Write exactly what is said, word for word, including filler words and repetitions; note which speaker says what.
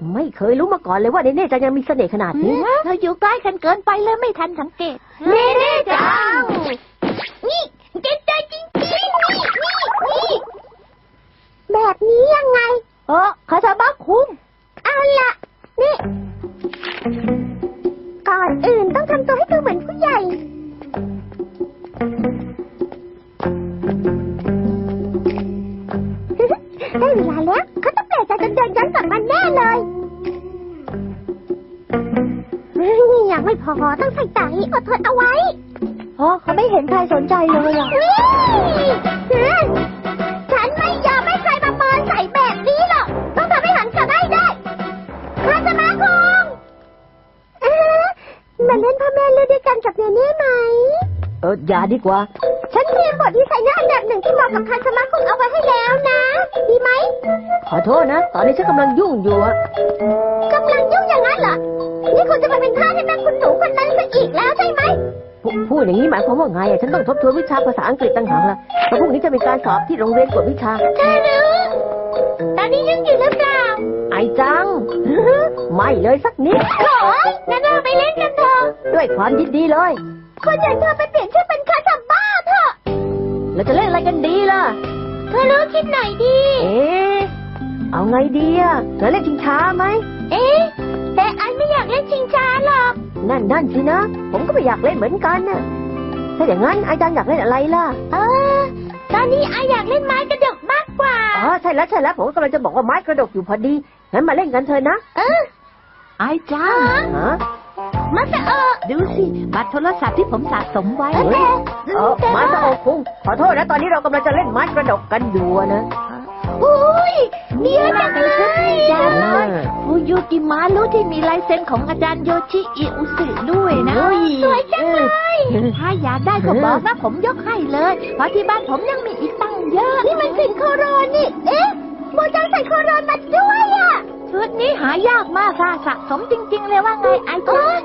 Speaker 1: ไม่เคยรู้มาก่อนเลยว่าเนเน่จังยังมีเสน่ห์ขนาดนี้
Speaker 2: เธออยู่ใกล้กันเกินไปเลยไม่ทันสังเกต
Speaker 3: เนเน่จังนี่เก่งใจจริงๆนี่นี่นี่แบบนี้ยังไง
Speaker 2: เออคาซาบะคุง
Speaker 3: เอาล่ะนี่ก่อนอื่นต้องทำตัวให้ดูเหมือนผู้ใหญ่ได้เวลาแล้วเขาต้องแปลกใจจนเดินย้อนกลับมาแน่เลยยังไม่พอต้องใส่ตาให้อดทนเอาไว้
Speaker 2: เพราะเขาไม่เห็นใครสนใจเลยอ่ะ
Speaker 3: ฉันไม่ยอมให้ใครมาเมินใส่แบบนี้หรอกต้องทำให้หันกลับได้ได้คาสมาคงมาเล่นพ่อแม่ลูกด้วยกันกับเนเน่ไหม
Speaker 1: เอออย่าดีกว่า
Speaker 3: ฉันเตรียมบทที่ใส่หน้าอันดับหนึ่งที่เหมาะกับคาสมาคงเอาไว้ให้แล้วนะดีไหม
Speaker 1: ขอโทษนะตอนนี้ฉันกำลังยุ่งอยู่อะ
Speaker 3: กำลังยุ่งอย่างนั้นเหรอนี่คุณจะมาเป็นท่าให้แม่คุณหนูคนนั้นซะอีกแล้วใช่ไหม
Speaker 1: พูดอย่างนี้หมายความว่าไงอะฉันต้องทบทวนวิชาภาษาอังกฤษต่างหากล่ะเพราะพรุ่งนี้จะมีการสอบที่โรงเรียนกวดวิชา
Speaker 3: เธอรู้ตอนนี้ยุ่งอยู่หรือเปล่า
Speaker 1: ไอจังไม่เลยสักนิด
Speaker 3: โอ้ยงั้นเราไปเล่นกันเถอะ
Speaker 1: ด้วยความยินดีเลย
Speaker 3: คุณอยากเธอไปเปลี่ยนชื่อเป็นคาซาบ้าเถอะ
Speaker 1: เราจะเล่นอะไรกันดีล่ะ
Speaker 3: เธอรู้คิดหน่อยดี
Speaker 1: เอ๊ะเอาไงดีอะเราเล่นชิงช้าไหม
Speaker 3: เอ๊ะแต่ไอไม่อยากเล่นชิงช้าหรอก
Speaker 1: นั่นนั่นสินะผมก็ไม่อยากเล่นเหมือนกันน่ะถ้าอย่างนั้นไอจังอยากเล่นอะไรล่ะ
Speaker 3: เออตอนนี้ไออยากเล่นไม้กระดกมากกว่า
Speaker 1: อ๋อใช่แล้วใช่แล้วผมกำลังจะบอกว่าไม้กระดกอยู่พอดีงั้นมาเล่นกันเถอะนะ
Speaker 3: เออ
Speaker 2: ไอจัง
Speaker 1: ฮะ
Speaker 3: มาซะเออ
Speaker 2: ดูสิบัตรโทรศัพท์ที่ผมสะสมไว้
Speaker 1: เออมาซะโอ้คุงขอโทษนะตอนนี้เรากำลังจะเล่นไม้กระดกกันอยู่นะ
Speaker 3: อุ้ยเดี๋ยวจังเลย
Speaker 2: ฟูยูกิมารุที่มีลายเซ็นของอาจารย์โยชิอิอุสึด้วยนะ
Speaker 3: สวยจังเลย
Speaker 2: ถ้าอยากได้ก็บอกนะผมยกให้เลยเพราะที่บ้านผมยังมีอีกตั้งเยอะ
Speaker 3: นี่มันสินโคโรนนี่เอ๊ะโมจังใส่โคโรนมาด้วยอ่ะ
Speaker 2: ชุดนี้หายากมากค่ะสะสมจริงๆเลยว่าไงไอ้จ๊ะ